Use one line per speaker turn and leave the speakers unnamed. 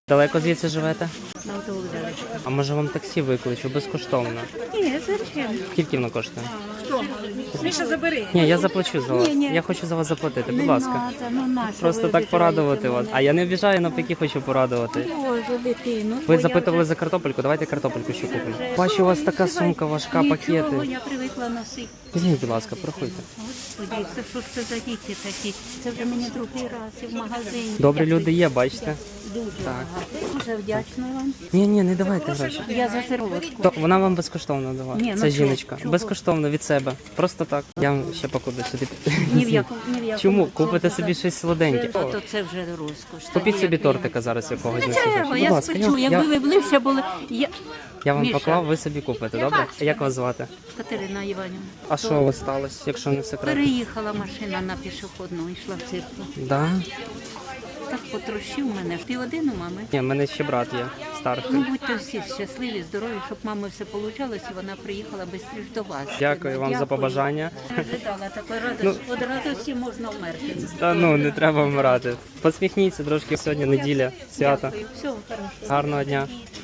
Далеко звідси живете?
На Автовокзалі.
А може вам таксі викличу безкоштовно?
Ні, зачем?
Скільки воно коштує?
Що? Міша, забери.
Ні, я заплачу за вас.
Ні.
Я хочу за вас заплатити, будь
Не
ласка.
надо, ну нащо
Просто
ви
так порадувати
обіжаєте
вас. А я не обіжаю, навпаки хочу порадувати.
мене? Боже, дитину.
Ви запитували за картопельку, давайте картопельку ще купимо. Бачу, у вас така сумка важка,
Нічого,
пакети.
я привикла носити.
Візьміть, будь ласка, порахуйте.
Господи, це що ж це за діти такі? Це вже мені другий раз і в магазині.
Добрі
Я
люди є, бачите?
Дуже багато. Дуже вдячна вам.
Ні, не давайте гроші.
Я за серветку.
То вона вам безкоштовно дала.
Ні, ну
Це
чого?
жіночка.
Чого?
Безкоштовно від себе. Просто так. Я вам ще покуди сюди.
Ні в якому.
Чому? Купите собі щось солоденьке.
То це вже розкош.
Купіть собі тортика зараз якогось. на ці
Чого?
гроші.
Я
Будь ласка,
спечу. Якби ви ближче були.
я вам
Міша.
поклав, ви собі купите, добре? Як вас звати?
Катерина Іванівна.
А що у вас сталося, якщо не секрет?
Переїхала машина на пішохідну, йшла в церкву.
Да?
Так потрощив мене. Ти один у мами?
Ні, в мене ще брат є, старший.
Ну, будьте всі щасливі, здорові, щоб мами все получалось, і вона приїхала швидше до вас.
Дякую вам за побажання.
Не ожидала такої радості. От радості можна вмерти.
Та ну, не треба вмирати. Посміхніться трошки, сьогодні неділя, свято.
Дякую. Всього хорошого.
Гарного дня.